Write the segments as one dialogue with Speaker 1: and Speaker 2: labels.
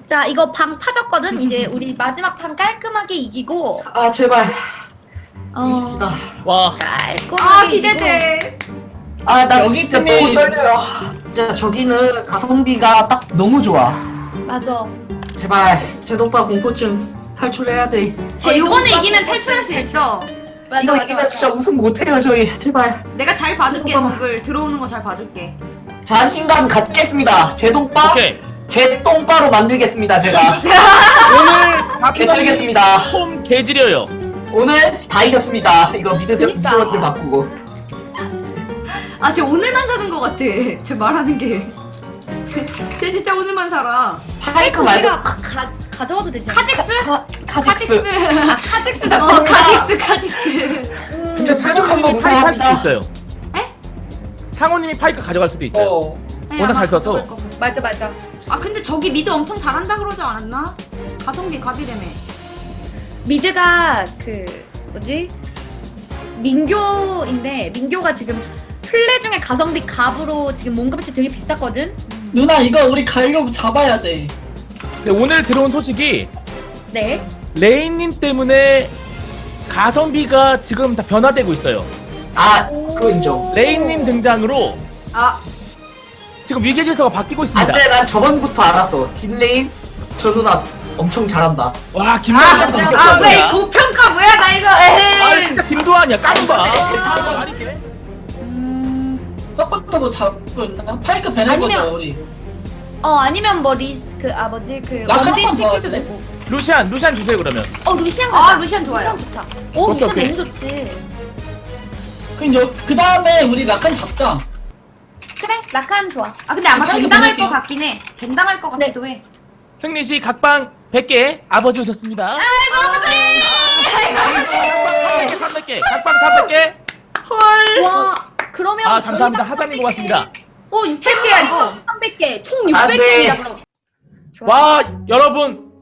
Speaker 1: 자, 이거 방 파졌거든? 이제 우리 마지막 판 깔끔하게 이기고,
Speaker 2: 아 제발.
Speaker 3: 와.
Speaker 1: 깔끔하게
Speaker 4: 아 기대돼.
Speaker 2: 아 나
Speaker 5: 여기
Speaker 2: 진짜
Speaker 5: 팀이-
Speaker 2: 너무 떨려요. 진짜 저기는 가성비가 딱 너무 좋아.
Speaker 1: 맞아.
Speaker 2: 제발 제동파 공포증 탈출해야 돼.
Speaker 4: 이번에 이기면 탈출할 수 있어.
Speaker 1: 맞아,
Speaker 2: 이거
Speaker 1: 맞아,
Speaker 2: 이기면
Speaker 1: 맞아.
Speaker 2: 진짜 우승 못해요 저희. 제발.
Speaker 4: 내가 잘 봐줄게.
Speaker 2: 잠깐만.
Speaker 4: 정글 들어오는 거 잘 봐줄게.
Speaker 2: 자신감 갖겠습니다. 제동파
Speaker 3: 오케이.
Speaker 2: 제 똥바로 만들겠습니다 제가.
Speaker 3: 오늘
Speaker 2: 개털겠습니다.
Speaker 3: 홈 개지려요.
Speaker 2: 오늘 다 이겼습니다. 이거 미드
Speaker 1: 그니까.
Speaker 2: 를 바꾸고.
Speaker 4: 아, 쟤 오늘만 사는 거 같아. 쟤 말하는 게. 쟤 진짜 오늘만 살아.
Speaker 2: 파이크 말고
Speaker 1: 우리가 가져와도 되지 않아?
Speaker 4: 카직스?
Speaker 2: 카직스.
Speaker 1: 아, 카직스도
Speaker 4: 카직스.
Speaker 2: 진짜 사족한 거
Speaker 3: 상호님이 파이크 할 수도
Speaker 2: 무서워합니다.
Speaker 3: 있어요.
Speaker 4: 에?
Speaker 3: 상호님이 파이크 가져갈 수도 있어요. 워낙 잘 써서.
Speaker 1: 맞아, 맞아.
Speaker 4: 아, 근데 저기 미드 엄청 잘한다 그러지 않았나? 가성비 갑이라며.
Speaker 1: 미드가 뭐지? 민교인데, 민교가 지금 플레 중에 가성비 갑으로 지금 몸값이 되게 비쌌거든?
Speaker 5: 누나 이거 우리 가려고 잡아야 돼.
Speaker 3: 근데 오늘 들어온 소식이
Speaker 1: 네.
Speaker 3: 레인님 때문에 가성비가 지금 다 변화되고 있어요.
Speaker 2: 아 그거 인정.
Speaker 3: 레인님 등장으로
Speaker 4: 아,
Speaker 3: 지금 위계 질서가 바뀌고 있습니다.
Speaker 2: 안돼 난 저번부터 알았어. 뒷레인 저 누나 엄청 잘한다.
Speaker 3: 와 김도환
Speaker 4: 왜 고평가 뭐야 나 이거.
Speaker 3: 아
Speaker 4: 에헤이.
Speaker 3: 진짜 김도환이야 까봐.
Speaker 5: 서포터 뭐 잡고 있나? 파이크 배낼
Speaker 1: 아니면-
Speaker 5: 거죠 우리.
Speaker 1: 아니면 뭐
Speaker 5: 라카
Speaker 1: 원딜
Speaker 5: 한번 더
Speaker 1: 택해도
Speaker 5: 하지?
Speaker 1: 되고.
Speaker 3: 루시안 주세요 그러면.
Speaker 1: 루시안
Speaker 4: 아,
Speaker 1: 가자.
Speaker 4: 루시안 좋아요.
Speaker 1: 루시안 좋다.
Speaker 3: 오케이,
Speaker 1: 루시안
Speaker 3: 오케이.
Speaker 1: 너무 좋지.
Speaker 5: 그럼 그 다음에 우리 라칸 잡자.
Speaker 1: 그래, 라칸 좋아.
Speaker 4: 아, 근데 아마
Speaker 5: 파이크
Speaker 4: 벤당할 것
Speaker 5: 보낼게요.
Speaker 4: 같긴 해. 벤당할 것 같기도 해.
Speaker 3: 승리 씨 각방 100개 아버지 오셨습니다.
Speaker 4: 아이고 아버지.
Speaker 3: 300개 각방 300개.
Speaker 4: 헐.
Speaker 1: 와, 그러면
Speaker 3: 아 감사합니다 하자님 고맙습니다.
Speaker 4: 오, 600개야 이거.
Speaker 1: 300개, 총
Speaker 2: 아, 네.
Speaker 1: 600개이다 그럼. 좋아.
Speaker 3: 와 여러분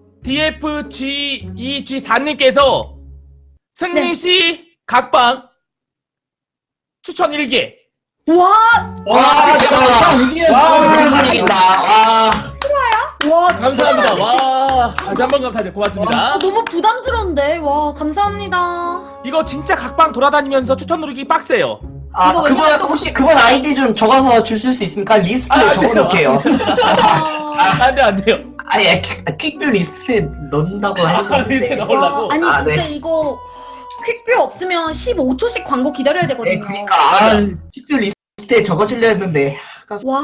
Speaker 3: DFG2G4님께서 승리 씨 각방 추천 1개.
Speaker 1: 와,
Speaker 2: 와 대박.
Speaker 5: 이게
Speaker 3: 와,
Speaker 2: 이긴다. 와.
Speaker 1: 와,
Speaker 3: 감사합니다.
Speaker 1: 진짜
Speaker 3: 와 다시 한번 감사드려 고맙습니다.
Speaker 1: 너무 부담스러운데. 와, 감사합니다.
Speaker 3: 이거 진짜 각방 돌아다니면서 추천 누르기 빡세요.
Speaker 2: 아
Speaker 1: 이거
Speaker 2: 그분
Speaker 1: 왜냐면 또-
Speaker 2: 혹시 그분 아이디 좀 적어서 주실 수 있습니까? 리스트에
Speaker 3: 안 돼요.
Speaker 2: 적어놓을게요.
Speaker 3: 안 돼요.
Speaker 2: 아니 퀵뷰 리스트에 넣는다고
Speaker 3: 리스트에
Speaker 2: 했는데.
Speaker 3: 넣으려고.
Speaker 1: 아니
Speaker 2: 아,
Speaker 1: 진짜
Speaker 2: 네.
Speaker 1: 이거 퀵뷰 없으면 15초씩 광고 기다려야
Speaker 2: 네,
Speaker 1: 되거든요.
Speaker 2: 그러니까 퀵뷰 리스트에 적어주려 했는데.
Speaker 1: 와.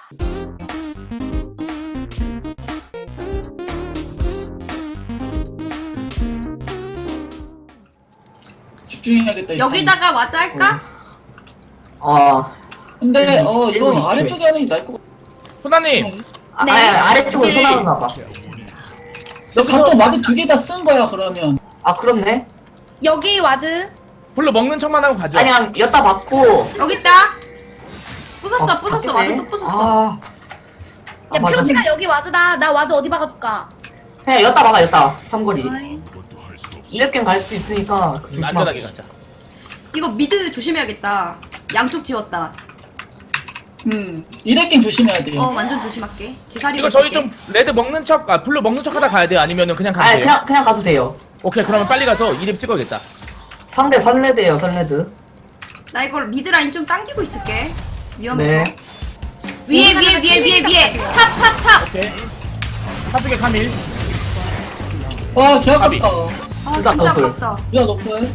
Speaker 5: 집중해야겠다. 일단.
Speaker 4: 여기다가 와드 할까?
Speaker 5: 근데
Speaker 2: 일본
Speaker 5: 이거
Speaker 2: 이슈에.
Speaker 5: 아래쪽에 하는 게 나을 것 같아.
Speaker 3: 소나님
Speaker 1: 네.
Speaker 2: 아래쪽으로
Speaker 3: 네.
Speaker 2: 쏘나오나 봐.
Speaker 5: 너 바텀 와드 2개 다 쓴 거야 그러면.
Speaker 2: 아 그렇네.
Speaker 1: 여기 와드.
Speaker 3: 별로 먹는 척만 하고 가죠.
Speaker 2: 아니 그냥 엿다 받고.
Speaker 4: 여기 있다. 부쉈어, 부쉈어. 와드 또 부쉈어.
Speaker 1: 야,
Speaker 2: 맞아.
Speaker 1: 표시가 여기 와드다. 나 와드 어디 박아줄까?
Speaker 2: 그냥 엿다 막아 엿다. 삼거리. 이렇게 갈 수 있으니까
Speaker 3: 안전하게
Speaker 2: 조심하고.
Speaker 3: 가자.
Speaker 4: 이거 미드 조심해야겠다. 양쪽 지웠다.
Speaker 5: 이레킹 조심해야 돼요.
Speaker 4: 완전 조심할게. 개사리.
Speaker 3: 이거 저희 좀 레드 먹는 척, 블루 먹는 척 하다 가야 돼요? 아니면은 그냥 가도
Speaker 2: 아니
Speaker 3: 돼요?
Speaker 2: 그냥 가도 돼요.
Speaker 3: 오케이 그러면 빨리 가서 이름 찍어야겠다.
Speaker 2: 상대 선레드예요 선레드.
Speaker 4: 나 이걸 미드 라인 좀 당기고 있을게. 위험해서.
Speaker 2: 네.
Speaker 4: 위에. 탑.
Speaker 3: 오케이. 사두개 카밀.
Speaker 5: 와, 개
Speaker 3: 가비.
Speaker 5: 아깝다.
Speaker 4: 아,
Speaker 2: 둘다
Speaker 4: 진짜
Speaker 2: 더블.
Speaker 4: 아깝다.
Speaker 5: 야, 너프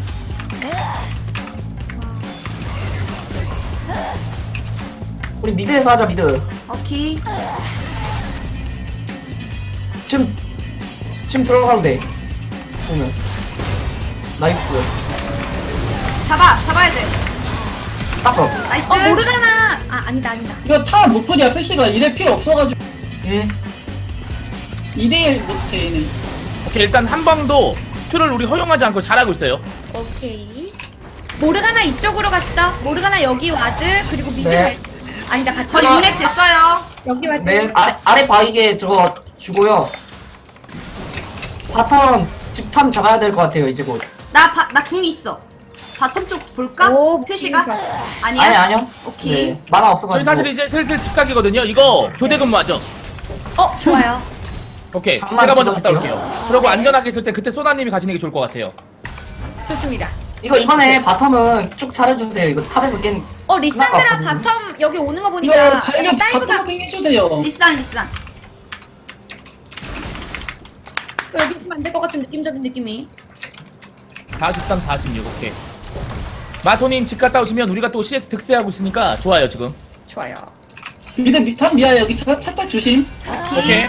Speaker 2: 우리 미드에서 하자 미드.
Speaker 4: 오케이.
Speaker 2: 지금 들어가도 돼. 보면. 나이스.
Speaker 4: 잡아야 돼.
Speaker 2: 땄어.
Speaker 4: 나이스.
Speaker 1: 모르잖아. 아니다.
Speaker 5: 이거 타 노플이야 표시가 이래 필요 없어가지고
Speaker 2: 응.
Speaker 5: 2대1 못해 얘는.
Speaker 3: 오케이 일단 한 방도 큐를 우리 허용하지 않고 잘하고 있어요.
Speaker 1: 오케이. 모르가나 이쪽으로 갔어. 모르가나 여기 와드. 그리고 미드
Speaker 2: 네.
Speaker 1: 아니다, 같이.
Speaker 4: 저 6렙 됐어요.
Speaker 1: 여기 와드.
Speaker 2: 네. 아래 바위게 저거 주고요. 바텀 집탐 잡아야 될 것 같아요 이제 곧.
Speaker 4: 나 궁 있어. 바텀 쪽 볼까?
Speaker 1: 오,
Speaker 4: 표시가?
Speaker 1: 좋아.
Speaker 4: 아니야?
Speaker 2: 아니요.
Speaker 4: 오케이.
Speaker 2: 네. 만화
Speaker 3: 저희
Speaker 2: 없어가지고.
Speaker 3: 사실 이제 슬슬 집 가기거든요. 이거 교대 근무하죠.
Speaker 1: 좋아요.
Speaker 3: 오케이.
Speaker 2: 잠깐만
Speaker 3: 제가 먼저 갔다
Speaker 2: 찍어줄게요.
Speaker 3: 올게요. 그리고 안전하게 있을 때 그때 소나님이 가시는 게 좋을 것 같아요.
Speaker 1: 좋습니다.
Speaker 2: 이거 이번에 바텀은 쭉 잘해주세요. 이거 탑에서 깬.
Speaker 1: 리산드라
Speaker 2: 끝나갔거든요.
Speaker 1: 바텀 여기 오는 거
Speaker 5: 이거
Speaker 1: 보니까
Speaker 5: 자기가
Speaker 1: 다이브가
Speaker 5: 바텀 해주세요.
Speaker 4: 리산
Speaker 1: 여기 있으면 안 될 것 같은 느낌적인 느낌이.
Speaker 3: 43, 46. 오케이. 마토님 집 갔다 오시면 우리가 또 CS 득세하고 있으니까 좋아요 지금.
Speaker 1: 좋아요.
Speaker 5: 미드 밑탑 미아 여기 차딱 조심.
Speaker 3: 오케이.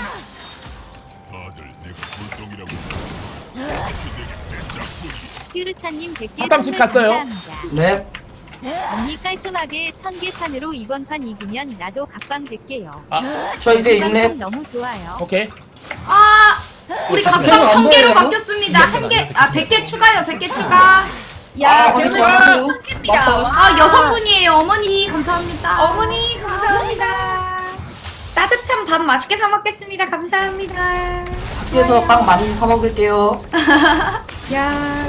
Speaker 6: 큐르차님 100개
Speaker 3: 한땀집
Speaker 6: 선물
Speaker 3: 갔어요.
Speaker 6: 감사합니다.
Speaker 2: 네.
Speaker 6: 언니 깔끔하게 1000개 판으로 이번 판 이기면 나도 각방 100개요.
Speaker 2: 저 이제
Speaker 6: 방송
Speaker 2: 6렙.
Speaker 6: 너무 좋아요.
Speaker 3: 오케이.
Speaker 4: 아 우리
Speaker 3: 자,
Speaker 4: 각방
Speaker 5: 안
Speaker 4: 1000개로
Speaker 5: 보여요?
Speaker 4: 바뀌었습니다. 한 개, 100개 추가요. 100개 추가.
Speaker 1: 야,
Speaker 2: 거기
Speaker 1: 그러면
Speaker 2: 좋아요.
Speaker 1: 습니다
Speaker 4: 아 여성분이에요. 어머니 감사합니다.
Speaker 1: 어머니 감사합니다. 따뜻한 밥 맛있게 사 먹겠습니다. 감사합니다.
Speaker 2: 학교에서 빵 많이 사 먹을게요.
Speaker 1: 야,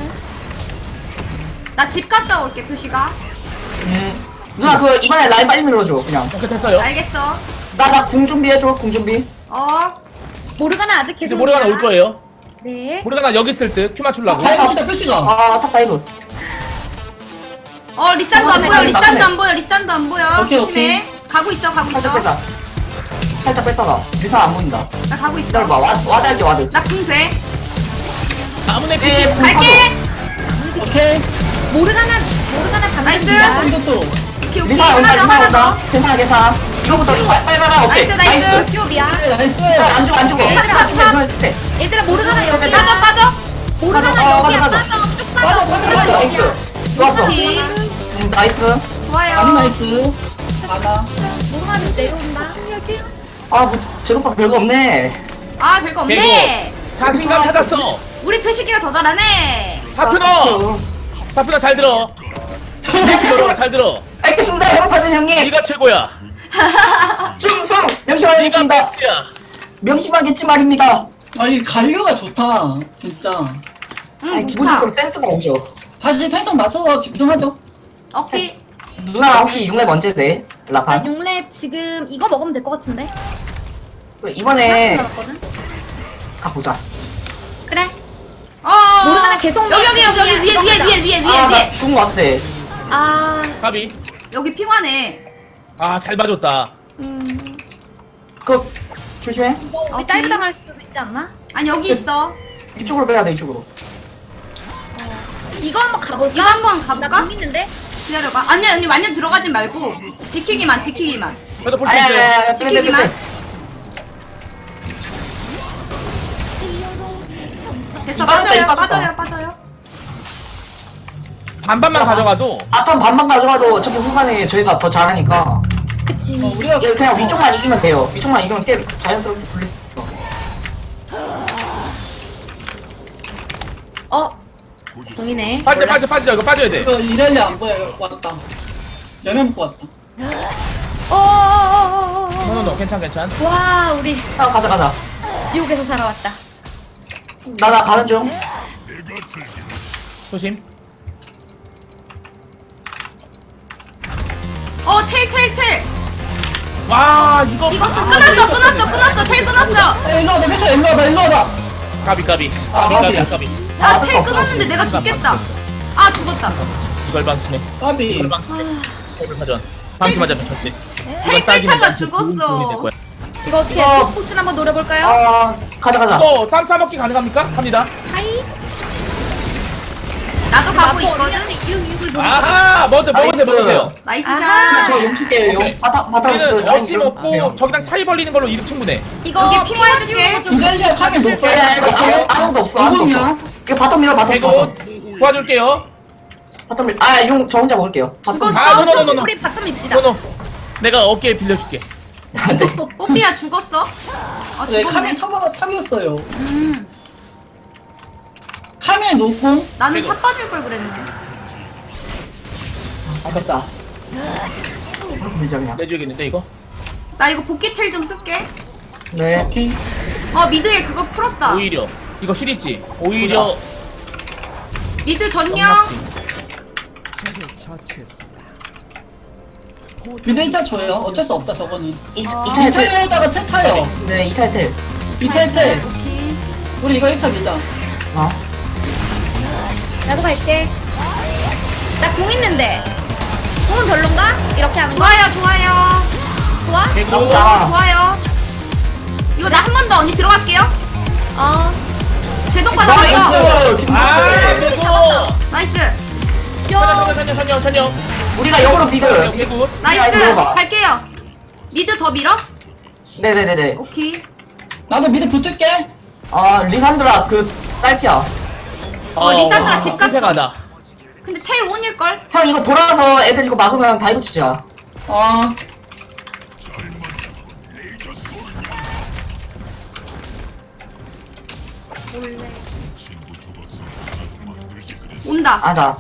Speaker 4: 나 집 갔다 올게 표시가.
Speaker 2: 누나 그 이번에 라인 빨리 밀어줘 그냥.
Speaker 3: 오케이 됐어요.
Speaker 4: 알겠어.
Speaker 2: 나 궁 준비해줘. 궁 준비.
Speaker 1: 모르가나 아직
Speaker 3: 이제
Speaker 1: 계속.
Speaker 3: 모르가나 올 거예요.
Speaker 1: 네.
Speaker 3: 모르가나 여기 있을 듯 큐 맞추려고.
Speaker 5: 다이브시다 표시가.
Speaker 2: 탑 다이브.
Speaker 4: 리산도 안 보여.
Speaker 2: 맞네.
Speaker 4: 리산도 안 보여. 리산도 안 보여.
Speaker 5: 오케이,
Speaker 4: 조심해. 가고 있어. 가고
Speaker 2: 살짝
Speaker 4: 있어.
Speaker 2: 뺐다. 살짝 뺐다가 리사 안 보인다.
Speaker 4: 나 가고
Speaker 2: 기다려봐.
Speaker 4: 있어.
Speaker 2: 와드 할게 와드.
Speaker 4: 나 궁 돼.
Speaker 3: 아무네
Speaker 2: 네,
Speaker 3: 피지.
Speaker 2: 궁
Speaker 4: 갈게.
Speaker 5: 오케이.
Speaker 1: 모르가나
Speaker 4: 나이스.
Speaker 1: 반갑습니다.
Speaker 5: 이것도.
Speaker 4: 오케이 오케이.
Speaker 2: 리사 온다.
Speaker 4: 하나 더
Speaker 2: 리사
Speaker 4: 하나
Speaker 2: 온다.
Speaker 4: 더.
Speaker 2: 괜찮아 괜찮아. 이거부터 빨리 오케이.
Speaker 4: 나이스.
Speaker 1: 큐비야.
Speaker 5: 나이스.
Speaker 2: 안 죽어 안 죽어.
Speaker 1: 얘들아,
Speaker 2: 안 죽어 안 죽어.
Speaker 1: 얘들아 모르가나 여기야.
Speaker 4: 빠져.
Speaker 1: 모르가나
Speaker 2: 빠져,
Speaker 1: 여기야.
Speaker 2: 빠져,
Speaker 1: 빠져. 쭉
Speaker 5: 빠져,
Speaker 1: 빠져.
Speaker 5: 빠져,
Speaker 1: 모르가나
Speaker 5: 빠져.
Speaker 1: 여기야.
Speaker 2: 좋았어.
Speaker 4: 오케이.
Speaker 2: 나이스.
Speaker 4: 좋아요.
Speaker 5: 아무 나이스. 아나.
Speaker 1: 모르가나 내려온다.
Speaker 2: 뭐 제로박 별거 없네.
Speaker 4: 별거 없네.
Speaker 3: 자신감 찾았어.
Speaker 4: 우리 표시기가 더 잘하네.
Speaker 3: 파프너. 파프너 잘 들어. 잘 들어.
Speaker 2: 알겠습니다. 해볼파전 형님.
Speaker 3: 네가 최고야.
Speaker 2: 충성.
Speaker 3: 네가
Speaker 2: 명심하겠습니다.
Speaker 3: 베스트야.
Speaker 2: 명심하겠지 말입니다.
Speaker 5: 아니 갈류가 좋다. 진짜.
Speaker 2: 아니, 기본적으로 센스가 없죠.
Speaker 5: 다시 텐션 맞춰서 집중하죠.
Speaker 4: 오케이.
Speaker 2: 누나 혹시 6렙 언제 돼?
Speaker 1: 나
Speaker 2: 라판?
Speaker 1: 용렙 지금 이거 먹으면 될 것 같은데.
Speaker 2: 이번에
Speaker 1: 남았거든.
Speaker 2: 가보자.
Speaker 1: 그래. 모르가나 계속
Speaker 4: 여기 위에.
Speaker 2: 나 죽은 거 같아.
Speaker 3: 가비.
Speaker 4: 여기 핑화네.
Speaker 3: 잘 봐줬다.
Speaker 2: 그 조심해.
Speaker 1: 이거 우리
Speaker 4: 오케이.
Speaker 1: 다이브 당할 수도 있지 않나?
Speaker 4: 아니 여기 있어.
Speaker 2: 이쪽으로 빼야 돼 이쪽으로.
Speaker 1: 이거 한번 가볼까?
Speaker 4: 이거 한번
Speaker 1: 나
Speaker 4: 가볼까?
Speaker 1: 공 있는데.
Speaker 4: 기다려봐. 아니 완전 들어가진 말고 지키기만.
Speaker 3: 저도 볼수
Speaker 2: 아야
Speaker 3: 있어요.
Speaker 2: 아야
Speaker 4: 지키기만. 됐어. 빠져요.
Speaker 3: 반반만 가져가도
Speaker 2: 바텀 반반 가져가도 어차피 후반에 저희가 더 잘하니까.
Speaker 1: 그치.
Speaker 5: 우리가
Speaker 2: 그냥 위쪽만 이기면 돼요. 위쪽만 이기면 꽤 자연스럽게 불릴 수 있어.
Speaker 1: 공이네.
Speaker 3: 빠져 이거 빠져야 돼.
Speaker 5: 이거 이랄리 안 보여. 왔다. 여면 먹고 왔다.
Speaker 3: 노노노 괜찮.
Speaker 1: 와, 우리
Speaker 2: 가자.
Speaker 1: 지옥에서 살아왔다.
Speaker 2: 나 가는 중.
Speaker 3: 조심.
Speaker 4: 텔.
Speaker 3: 와 이거
Speaker 4: 끊었어. 텔 끊었어.
Speaker 5: 일로 와봐. 회사 일로 와봐.
Speaker 3: 까비.
Speaker 5: 까비야.
Speaker 3: 까비.
Speaker 4: 텔 끊었는데 내가 죽겠다. 죽었다.
Speaker 3: 이걸 방심해.
Speaker 5: 까비.
Speaker 3: 이걸 방심해. 이걸 가져와. 방심하자면 절대.
Speaker 4: 텔 탈탈라 죽었어.
Speaker 1: 이거 어떻게
Speaker 2: 이거-
Speaker 1: 스포츠 한번 노려볼까요?
Speaker 2: 가자.
Speaker 3: 또 쌈 싸먹기 가능합니까? 합니다.
Speaker 1: 하이.
Speaker 4: 나도 가고 있거든.
Speaker 1: 언니한테 이육을 노려.
Speaker 3: 아하 먹으세요.
Speaker 4: 나이스
Speaker 1: 아하.
Speaker 4: 샷.
Speaker 2: 저 용칠게요.
Speaker 3: 오케이.
Speaker 2: 바텀
Speaker 3: 얘는 어시 먹고 저기랑 차이 벌리는 걸로 이득 충분해.
Speaker 1: 이거
Speaker 4: 여기 핑화 해줄게.
Speaker 5: 이랄리 하면 못
Speaker 2: 야, 아무도 없어.
Speaker 5: 누구냐?
Speaker 2: 이거 바텀 밀어.
Speaker 3: 대고 도와줄게요.
Speaker 2: 바텀 밀. 용 저 혼자 먹을게요.
Speaker 4: 죽었어.
Speaker 3: 노노노노노.
Speaker 1: 우리 바텀 밉시다.
Speaker 3: 노노. 내가 어깨에 빌려줄게.
Speaker 2: 네.
Speaker 4: 뽀삐야 죽었어.
Speaker 5: 네,
Speaker 4: 죽었네.
Speaker 5: 카메 탑이었어요. 카메 놓고.
Speaker 4: 나는 탑 빠질 걸 그랬네.
Speaker 2: 아깝다. 밀자 그냥.
Speaker 3: 내줘야겠는데 이거?
Speaker 4: 나 이거 복귀 텔 좀 쓸게.
Speaker 2: 네.
Speaker 5: 오케이.
Speaker 4: 미드에 그거 풀었다.
Speaker 3: 오히려 이거 힐 있지. 오히려
Speaker 4: 미드 전령.
Speaker 5: 미드 1차 줘요. 어쩔 수 없다 저거는.
Speaker 2: 2차에 텔.
Speaker 5: 2차에다가 텔 타요.
Speaker 2: 네, 2차에 텔.
Speaker 5: 2차 1대.
Speaker 4: 오케이.
Speaker 5: 우리 이거 1차 밀자.
Speaker 2: 어?
Speaker 1: 나도 갈게. 나 궁 있는데. 궁은 별론가? 이렇게 하는 거?
Speaker 4: 좋아요, 좋아요.
Speaker 1: 좋아?
Speaker 3: 개구.
Speaker 2: 나보자.
Speaker 4: 좋아요. 이거 나 한 번 더 언니 들어갈게요.
Speaker 1: 어.
Speaker 4: 제동 받았어.
Speaker 2: 나이스!
Speaker 3: 아, 개구.
Speaker 4: 나이스.
Speaker 3: 천여.
Speaker 2: 우리가 역으로 미드.
Speaker 3: 개구.
Speaker 4: 나이스.
Speaker 2: 들어가.
Speaker 4: 갈게요. 미드 더 밀어?
Speaker 2: 네네네네.
Speaker 4: 오케이.
Speaker 5: 나도 미드 붙을게.
Speaker 2: 아, 리산드라 그 딸피야.
Speaker 4: 리산드라 집 갔어.
Speaker 3: 생각하다.
Speaker 4: 근데 텔 원일걸?
Speaker 2: 형 이거 돌아와서 애들 이거 막으면 다이브 치자.
Speaker 5: 어.
Speaker 4: 온다.
Speaker 2: 아자.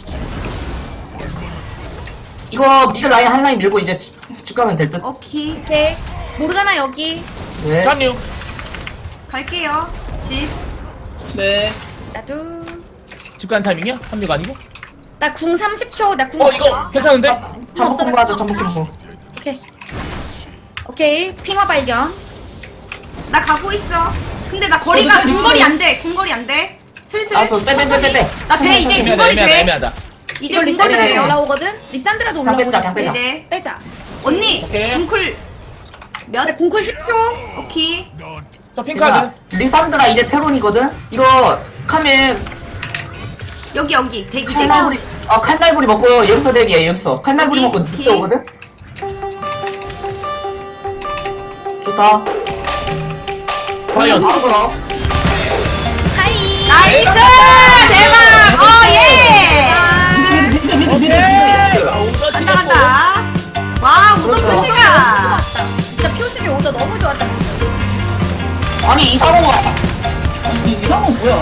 Speaker 2: 이거 미드 라인 한 라인 밀고 이제 집 가면 될 듯.
Speaker 4: 오케이.
Speaker 1: 오케이. 모르가나 여기.
Speaker 2: 네.
Speaker 3: 천유.
Speaker 4: 갈게요. 집.
Speaker 5: 네.
Speaker 1: 나도.
Speaker 3: 집 가는 타이밍이야? 합류가 아니고?
Speaker 1: 나 궁 30초. 나 궁
Speaker 3: 이거
Speaker 1: 없어.
Speaker 3: 괜찮은데?
Speaker 2: 전복 공부 하자, 전복 공부.
Speaker 1: 오케이. 오케이. 핑화 발견.
Speaker 4: 나 가고 있어. 근데 나 거리가
Speaker 5: 저도
Speaker 4: 궁거리 안 돼. 궁거리 안 돼. 슬슬.
Speaker 2: 알았어, 빼.
Speaker 4: 나 돼, 이제
Speaker 3: 애매하다,
Speaker 4: 궁거리 돼.
Speaker 3: 애매하다.
Speaker 4: 이제
Speaker 1: 이거
Speaker 4: 궁거리
Speaker 1: 리산드라
Speaker 2: 돼요.
Speaker 1: 올라오거든? 리산드라도
Speaker 2: 그냥
Speaker 1: 올라오거든?
Speaker 2: 뺐자, 그냥 빼자.
Speaker 4: 네네.
Speaker 1: 빼자.
Speaker 4: 언니,
Speaker 3: 오케이.
Speaker 4: 궁쿨 몇?
Speaker 1: 그래, 궁쿨 10초.
Speaker 4: 오케이.
Speaker 3: 저 핑카드.
Speaker 2: 리산드라 이제 테론이거든? 이거 카밀
Speaker 4: 여기. 대기.
Speaker 2: 칼날부리 칼날부리 먹고 여기서 대기해 여기서 칼날부리
Speaker 4: 어디?
Speaker 2: 먹고
Speaker 4: 오케이.
Speaker 2: 늦게 오거든? 좋다.
Speaker 3: 과연.
Speaker 2: 바로
Speaker 1: 하이.
Speaker 4: 나이스! 대박! 예!
Speaker 5: 미드.
Speaker 3: 오케이.
Speaker 4: 간다, 간다. 와, 우선
Speaker 2: 그렇죠.
Speaker 1: 너무
Speaker 4: 표시가.
Speaker 1: 좋았다. 진짜 표식이 오더 너무 좋았다.
Speaker 2: 아니 이상호가
Speaker 5: 아니, 이상은 뭐야?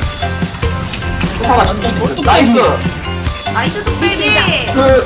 Speaker 2: 이상호가 진짜 나이스.
Speaker 4: 나이스 속배기.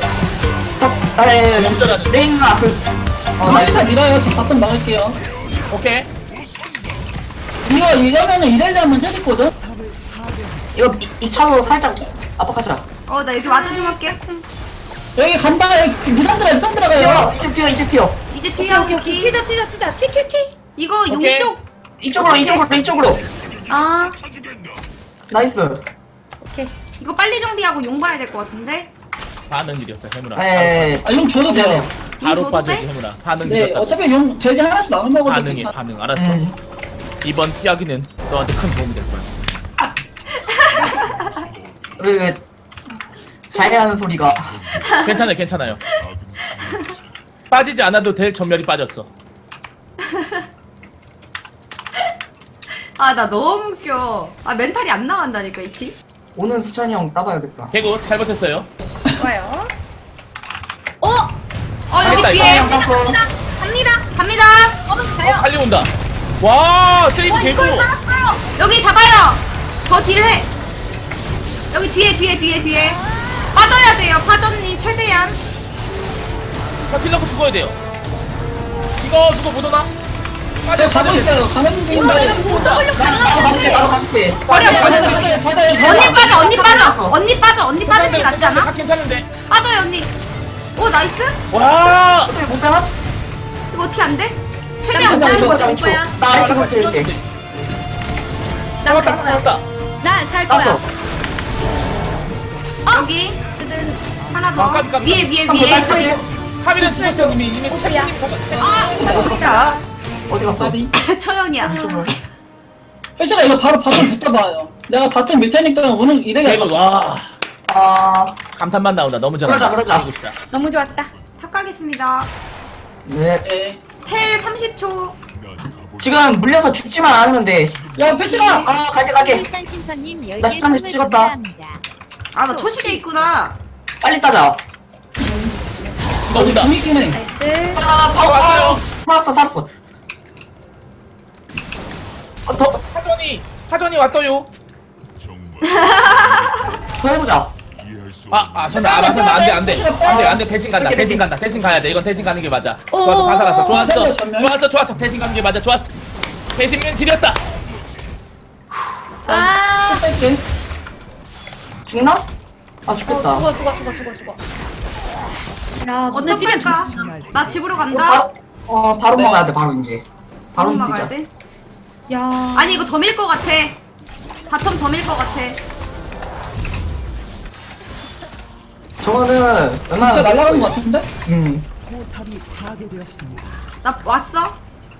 Speaker 3: 역전하는.
Speaker 2: 레인가
Speaker 5: 나이스 밀어요. 저 바텀 막을게요.
Speaker 3: 오케이.
Speaker 5: 이거 이러면은 이래려면 재밌거든?
Speaker 2: 이거 이 차로 살짝 압박하자.
Speaker 4: 나 여기 와드 좀 할게.
Speaker 5: 여기 간다. 여기 미산드라 가요.
Speaker 2: 이제 튀어.
Speaker 4: 이제
Speaker 1: 오케이,
Speaker 4: 뒤에
Speaker 1: 오케이, 오케이. 튀자. 튀.
Speaker 4: 이거
Speaker 3: 오케이.
Speaker 4: 용쪽.
Speaker 2: 이쪽으로
Speaker 1: 아,
Speaker 2: 나이스.
Speaker 1: 오케이.
Speaker 4: 이거 빨리 정비하고 용 봐야 될 것 같은데.
Speaker 3: 반응 느렸어, 해무라.
Speaker 2: 에
Speaker 5: 아, 용 줘도 돼요.
Speaker 3: 바로
Speaker 4: 줘도
Speaker 3: 빠져야지,
Speaker 4: 돼?
Speaker 3: 해무라. 반응
Speaker 5: 네,
Speaker 3: 느렸다.
Speaker 5: 어차피 용 돼지 하나씩 나눠 먹어도
Speaker 3: 반응해,
Speaker 5: 괜찮아.
Speaker 3: 반응. 알았어. 이번 피하기는 너한테 큰 도움이 될 거야.
Speaker 2: 왜 잘해하는 소리가.
Speaker 3: 괜찮아요. 빠지지 않아도 될 전멸이 빠졌어.
Speaker 4: 나 너무 웃겨. 멘탈이 안 나간다니까, 이 팀.
Speaker 2: 오는 수찬이 형 따봐야겠다.
Speaker 3: 개구 잘 버텼어요.
Speaker 1: 좋아요.
Speaker 4: 여기
Speaker 3: 알겠다,
Speaker 4: 뒤에.
Speaker 2: 형 땄어.
Speaker 4: 갑니다.
Speaker 1: 가요.
Speaker 3: 칼리 온다. 와, 세이브 개구.
Speaker 1: 이걸 살았어요.
Speaker 4: 여기 잡아요. 더 딜을 해. 여기 뒤에. 빠져야 돼요. 파전님 최대한.
Speaker 3: 킬 넣고 죽어야 돼요. 이거 누가 못 오나?
Speaker 5: 제가 가고 있어요. 가는 중인데.
Speaker 1: 이거는 못 W
Speaker 2: 나도 가줄게.
Speaker 4: 버려.
Speaker 5: 가자.
Speaker 4: 언니 빠지는 게 낫지 않아?
Speaker 3: 괜찮은데.
Speaker 4: 빠져요, 언니. 오, 나이스.
Speaker 3: 와.
Speaker 2: 어떻게 못 되나?
Speaker 4: 이거 어떻게 안 돼? 최대한.
Speaker 2: 나 이쪽으로
Speaker 1: 될
Speaker 2: 왼쪽.
Speaker 1: 거야.
Speaker 2: 나 아래쪽으로 찔게.
Speaker 3: 잡았다.
Speaker 1: 나살
Speaker 2: 땄어.
Speaker 1: 거야.
Speaker 4: 여기. 하나 더.
Speaker 3: 깜깜깜.
Speaker 4: 위에.
Speaker 3: 카미는 죽었어 이미
Speaker 1: 오케이야.
Speaker 3: 책임님 잡았.
Speaker 2: 어디 갔어? 어디 갔어?
Speaker 5: 나비.
Speaker 4: 처형이야.
Speaker 5: 혜식아 이거 바로 바텀 붙어봐요. 내가 바텀 밀 테니까 오늘 이래가
Speaker 3: 개구 와.
Speaker 2: 아,
Speaker 3: 감탄만 나온다. 너무 잘한다.
Speaker 2: 그러자.
Speaker 3: 개구 진짜.
Speaker 1: 너무 좋았다.
Speaker 4: 탁 가겠습니다.
Speaker 2: 네.
Speaker 5: 네.
Speaker 4: 텔 30초.
Speaker 2: 지금 물려서 죽지만 않으면 돼.
Speaker 5: 야 혜식아.
Speaker 2: 아, 갈게.
Speaker 6: 일단 심판님
Speaker 2: 나
Speaker 6: 10개
Speaker 2: 시간을
Speaker 6: 선물
Speaker 2: 찍었다.
Speaker 6: 감사합니다.
Speaker 4: 나 초식에 있구나.
Speaker 2: 빨리 따자.
Speaker 3: 이거 온다.
Speaker 5: 분위기네
Speaker 1: 나이스.
Speaker 2: 바로
Speaker 3: 왔어요.
Speaker 2: 살았어. 더
Speaker 3: 하전이 왔어요.
Speaker 2: 해보자.
Speaker 3: 저는 안돼 대신 간다. 대신 가야 돼. 이건 대신 가는 게 맞아.
Speaker 1: 오.
Speaker 3: 좋았어, 다 살았어.
Speaker 5: 전멸.
Speaker 3: 좋았어. 대신 가는 게 맞아. 좋았어. 대신면 지렸다.
Speaker 1: 아,
Speaker 5: 뺄게.
Speaker 2: 죽나? 아, 죽겠다.
Speaker 1: 죽어. 야, 근데 뛰면
Speaker 4: 어떡할까? 나 집으로
Speaker 2: 우리
Speaker 4: 간다.
Speaker 2: 바로
Speaker 3: 네.
Speaker 2: 먹어야 돼, 바로 이제. 바로
Speaker 4: 막아야
Speaker 2: 뛰자.
Speaker 4: 돼.
Speaker 1: 야.
Speaker 4: 아니 이거 더 밀 것 같아. 바텀 더 밀 것 같아.
Speaker 2: 저거는
Speaker 5: 진짜 날아가는 것 같은데?
Speaker 4: 나 왔어?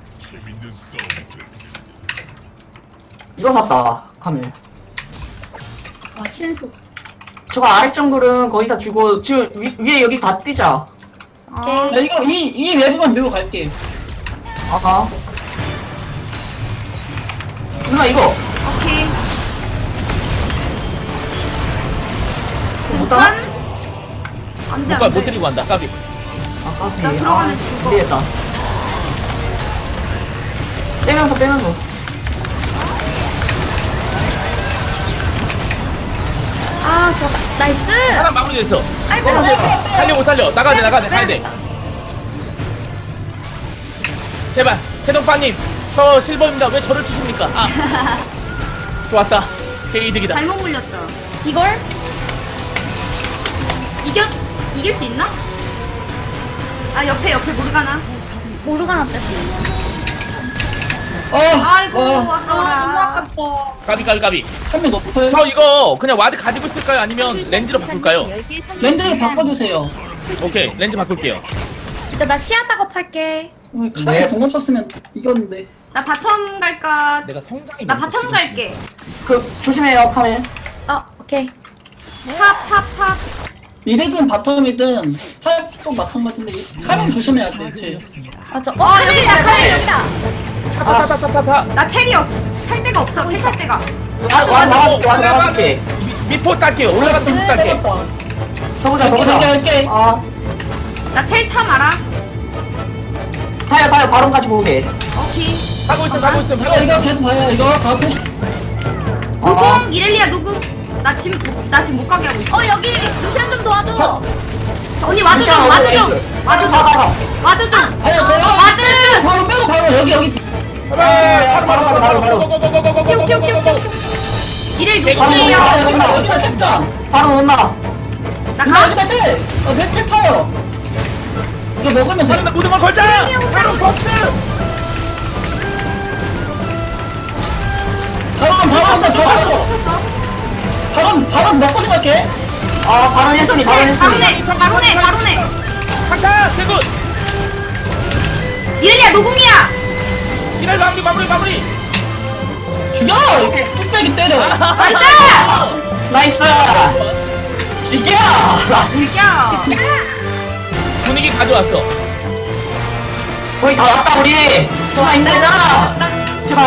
Speaker 2: 이거 샀다 카밀.
Speaker 1: 와 신속.
Speaker 2: 저거 아래 정글은 거의 다 주고 지금 위에 여기 다 뛰자.
Speaker 4: 어.
Speaker 5: 야 이거 이 웹만 밀고 갈게.
Speaker 2: 아까 누나 이거
Speaker 4: 오케이.
Speaker 2: 못 따라?
Speaker 4: 짠. 안돼
Speaker 3: 못
Speaker 4: 안돼.
Speaker 3: 드리고 간다 까비.
Speaker 2: 아까
Speaker 4: 나 들어가면 죽어.
Speaker 2: 되겠다. 빼면서.
Speaker 1: 아 좋았다. 나이스.
Speaker 3: 하나 마무리됐어.
Speaker 1: 아이고.
Speaker 3: 살려 못 살려. 나가야 돼 가야 돼. 제발 해동파님 저 실버입니다. 왜 저를 치십니까? 아 좋았다. 개이득이다.
Speaker 4: 잘못 물렸다.
Speaker 1: 이걸?
Speaker 4: 이길 수 있나? 아 옆에 모르가나.
Speaker 1: 모르가나 뺐어.
Speaker 4: 아이고
Speaker 1: 너무
Speaker 4: 아까워라.
Speaker 1: 아깝다.
Speaker 3: 까비.
Speaker 5: 한명 높아요.
Speaker 3: 저 이거 그냥 와드 가지고 있을까요? 아니면 렌즈로 바꿀까요?
Speaker 5: 렌즈를 바꿔주세요.
Speaker 3: 오케이 렌즈 바꿀게요.
Speaker 1: 일단 나 시야 작업할게.
Speaker 5: 카메라 공업 썼으면 이겼는데.
Speaker 4: 나 바텀 갈까?
Speaker 3: 내가 성장이
Speaker 4: 나
Speaker 3: 너무
Speaker 4: 바텀
Speaker 3: 지금.
Speaker 4: 갈게.
Speaker 2: 그 조심해요 카밀.
Speaker 1: 오케이.
Speaker 4: 탑.
Speaker 5: 미드든 바텀이든 탑도 마찬가지인데 카메라 조심해야 돼. 쟤.
Speaker 1: 맞아.
Speaker 4: 여기다, 카레.
Speaker 1: 여기다.
Speaker 3: 타타타타타.
Speaker 4: 나 텔이 탈 데가 없어. 텔 탈 데가.
Speaker 2: 와 나가줄게.
Speaker 3: 미포 딸게요. 올라가서 미포 딸게.
Speaker 2: 더 보자.
Speaker 5: 할게.
Speaker 4: 나 텔 탐 알아?
Speaker 2: 타요 바론 같이 보게.
Speaker 4: 오케이.
Speaker 3: 가고 있어.
Speaker 5: 이거 계속 봐요. 이거 다 푸시.
Speaker 4: 누궁 이렐리아 누궁. 나 지금 못 가게 하고 있어.
Speaker 1: 여기 루시안 좀 도와줘.
Speaker 4: 언니 와드 좀. 와드 좀.
Speaker 5: 아니
Speaker 4: 와드.
Speaker 5: 바로 여기.
Speaker 2: 바로.
Speaker 4: 이렐
Speaker 2: 바로
Speaker 4: 누궁이에요.
Speaker 5: 여기다 탭다.
Speaker 2: 바로 넣나?
Speaker 4: 나 가.
Speaker 5: 여기다 탭. 탭 타요. 이거 먹으면 돼.
Speaker 3: 바로 모든 걸 걸자. 바로 복수.
Speaker 5: 바로
Speaker 4: 쳤어.
Speaker 5: 바로 먹고 생각해.
Speaker 2: 바론 했으니.
Speaker 4: 바로네.
Speaker 3: 카타 대굿.
Speaker 4: 이렐리아 누궁이야.
Speaker 3: 이날 마무리.
Speaker 5: 죽여. 이렇게 뚝배기 때려.
Speaker 4: 나이스.
Speaker 2: 나이스. 지겨.
Speaker 4: 이겨.
Speaker 3: 분위기 가져왔어.
Speaker 2: 거의 다 왔다 우리. 정말 힘들잖아. 제발.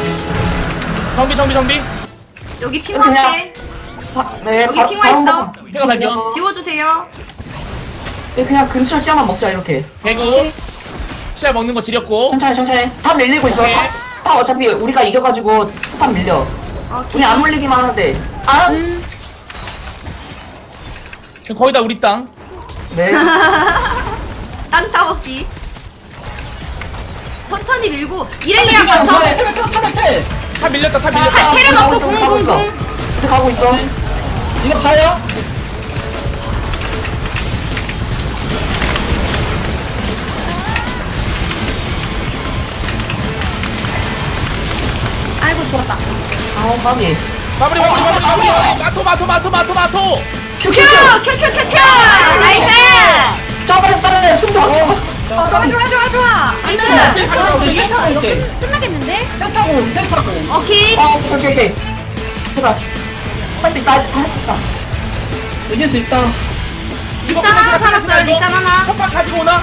Speaker 3: 정비.
Speaker 4: 여기 핑화할게.
Speaker 2: 네.
Speaker 4: 여기 핑화 있어.
Speaker 3: 해가 발견.
Speaker 4: 지워주세요.
Speaker 2: 네, 그냥 근처 시야만 먹자 이렇게.
Speaker 3: 대굿. 시야 먹는 거 지렸고.
Speaker 2: 천천히. 탑 밀리고 있어.
Speaker 3: 오케이.
Speaker 2: 탑 어차피 우리가 이겨가지고 탑 밀려.
Speaker 4: 오케이.
Speaker 2: 우리 안 물리기만 하는데.
Speaker 3: 거의 다 우리 땅.
Speaker 2: 네.
Speaker 4: 땅 따먹기. 천천히 밀고 이렐리아 바텀.
Speaker 3: 타 밀렸다.
Speaker 4: 테레
Speaker 2: 가고
Speaker 4: 넣고
Speaker 2: 있어,
Speaker 4: 궁.
Speaker 2: 이제 가고 있어.
Speaker 5: 이거 봐요.
Speaker 1: 아이고 죽었다.
Speaker 2: 까비.
Speaker 3: 마무리. 마토.
Speaker 4: 큐. 나이스.
Speaker 2: 저번에 따라 숨좀
Speaker 1: 좋아. 나이스. 이거 끝나겠는데?
Speaker 5: 탭 타고.
Speaker 4: 오케이.
Speaker 2: 오케이. 제발. 할 수 있다.
Speaker 5: 이길 수 있다.
Speaker 4: 리산 하나 살았어요. 리산 하나.
Speaker 3: 컵밥 가지고 오나?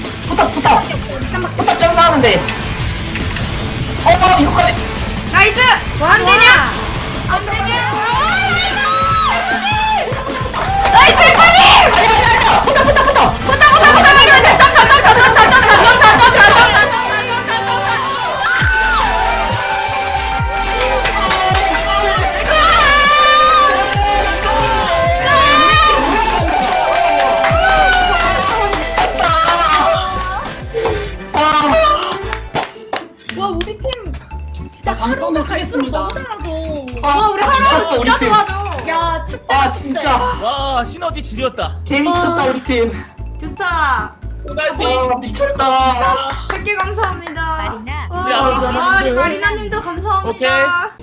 Speaker 2: 부탁 점수하는데. 이거까지.
Speaker 4: 나이스. 안 되냐? 나이스 파니.
Speaker 2: 아니야. 부탁.
Speaker 4: 보다 말이야. 점사.
Speaker 1: 와 우리 팀 진짜
Speaker 5: 방송을 하겠습니다.
Speaker 1: 너무 잘하고.
Speaker 4: 와 우리 하루
Speaker 2: 미쳤어,
Speaker 4: 진짜
Speaker 2: 우리 팀.
Speaker 4: 좋아져.
Speaker 1: 야 축제.
Speaker 2: 진짜.
Speaker 3: 와 시너지 지렸다.
Speaker 2: 개미쳤다 우리 팀.
Speaker 4: 좋다.
Speaker 3: 또다시.
Speaker 2: 미쳤다.
Speaker 4: 100개 감사합니다.
Speaker 6: 마리나
Speaker 1: 와
Speaker 3: 우리 아버지
Speaker 4: 우리
Speaker 3: 하나님들.
Speaker 4: 마리나님도 감사합니다.
Speaker 3: 오케이.